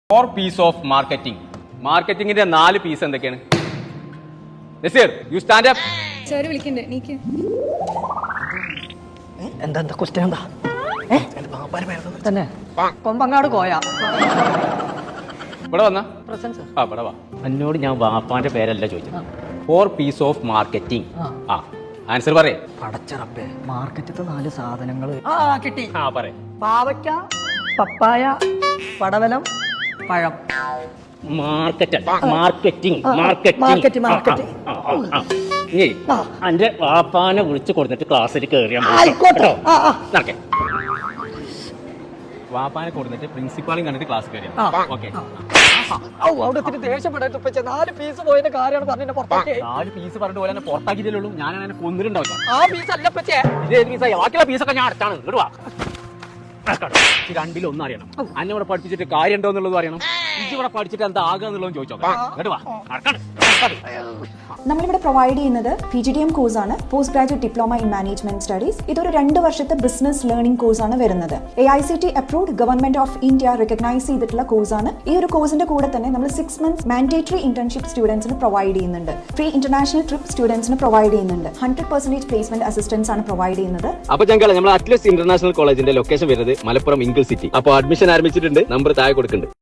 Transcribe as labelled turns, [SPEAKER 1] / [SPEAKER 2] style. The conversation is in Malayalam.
[SPEAKER 1] 4 പീസ് ഓഫ് മാർക്കറ്റിംഗ്. മാർക്കറ്റിംഗിന്റെ 4 പീസ് എന്തൊക്കെയാണ്? Naseer, you stand up.
[SPEAKER 2] Sir വിളിക്കണ്ടേ? നീക്ക്.
[SPEAKER 3] എന്താ ക്വസ്റ്റ്യൻ എന്താ തന്നെ കൊമ്പങ്ങാട് കോയ
[SPEAKER 1] ഇവിടെ വന്ന
[SPEAKER 3] പ്രസൻസ്
[SPEAKER 1] ഇവിടെ വാ. എന്നോട് ഞാൻ വാപ്പാന്റെ പേരല്ല ചോദിച്ചത്. 4 പീസ് ഓഫ് മാർക്കറ്റിംഗ്. ആൻസർ പറയേ.
[SPEAKER 3] പടച്ചറപ്പേ, മാർക്കറ്റത്തെ 4 സാധനങ്ങൾ കിട്ടി.
[SPEAKER 1] പറയേ.
[SPEAKER 3] പാവയ്ക്ക, പപ്പായ, പടവലം, പഴം.
[SPEAKER 1] മാർക്കറ്റിംഗ്. എന്റെ വാപ്പാനെ വിളിച്ചു കൊടുത്തിട്ട് ക്ലാസ്സിൽ കയറിയാൽ വാപ്പാനെ കൊടുത്തിട്ട് പ്രിൻസിപ്പാളും കണ്ടിട്ട് ക്ലാസ് കയറിയാ. ഓക്കെ.
[SPEAKER 3] അവിടെ ദേഷ്യപ്പെടാൻ 4 പീസ് പോയതിന്റെ കാര്യമാണ് പറഞ്ഞ പുറത്താക്കി.
[SPEAKER 1] 4 പീസ് പറഞ്ഞിട്ട് പോലെ പുറത്താക്കിയതേ ഞാൻ അങ്ങനെ കൊന്നിട്ടുണ്ടാവില്ല.
[SPEAKER 3] ആ പീസ് അല്ല പച്ചേ,
[SPEAKER 1] ബാക്കിയുള്ള പീസൊക്കെ ഞാൻ അടുത്താണ്. ഇടുവാ. രണ്ടിലൊന്നും അറിയണം. അന്നെ ഇവിടെ പഠിപ്പിച്ചിട്ട് കാര്യം ഉണ്ടോ എന്നുള്ളത് അറിയണം. ഇവിടെ പഠിച്ചിട്ട് എന്താ ആകുക എന്നുള്ളത് ചോദിച്ചോ.
[SPEAKER 4] നമ്മളിവിടെ പ്രൊവൈഡ് ചെയ്യുന്നത് PGDM കോഴ്സാണ്, post graduate diploma in management studies. ഇതൊരു 2 വർഷത്തെ ബിസിനസ് ലേണിംഗ് കോഴ്സാണ് വരുന്നത്. AICT approved, government of India recognise ചെയ്തിട്ടുള്ള കോഴ്സാണ്. ഈ ഒരു കോഴ്സിന്റെ കൂടെ തന്നെ നമ്മൾ 6 months മാൻഡേറ്ററി ഇന്റേൺഷിപ്പ് സ്റ്റുഡൻസിന് പ്രൊവൈഡ് ചെയ്യുന്നുണ്ട്. ഫ്രീ ഇന്റർനാഷണൽ ട്രിപ്പ് സ്റ്റുഡൻസിന് പ്രൊവൈഡ് ചെയ്യുന്നുണ്ട്. 100% പ്ലേസ്മെന്റ് അസിസ്റ്റൻസ് ആണ് പ്രൊവൈഡ് ചെയ്യുന്നത്.
[SPEAKER 1] അപ്പൊ ഞങ്ങൾ നമ്മൾ അറ്റ്ലസ് ഇന്റർനാഷണൽ കോളേജിന്റെ ലൊക്കേഷൻ വരുന്നത് മലപ്പുറം ഇംഗിൾ സിറ്റി. അപ്പോൾ അഡ്മിഷൻ ആരംഭിച്ചിട്ടുണ്ട്. നമ്പർ താഴെ കൊടുക്കുന്നുണ്ട്.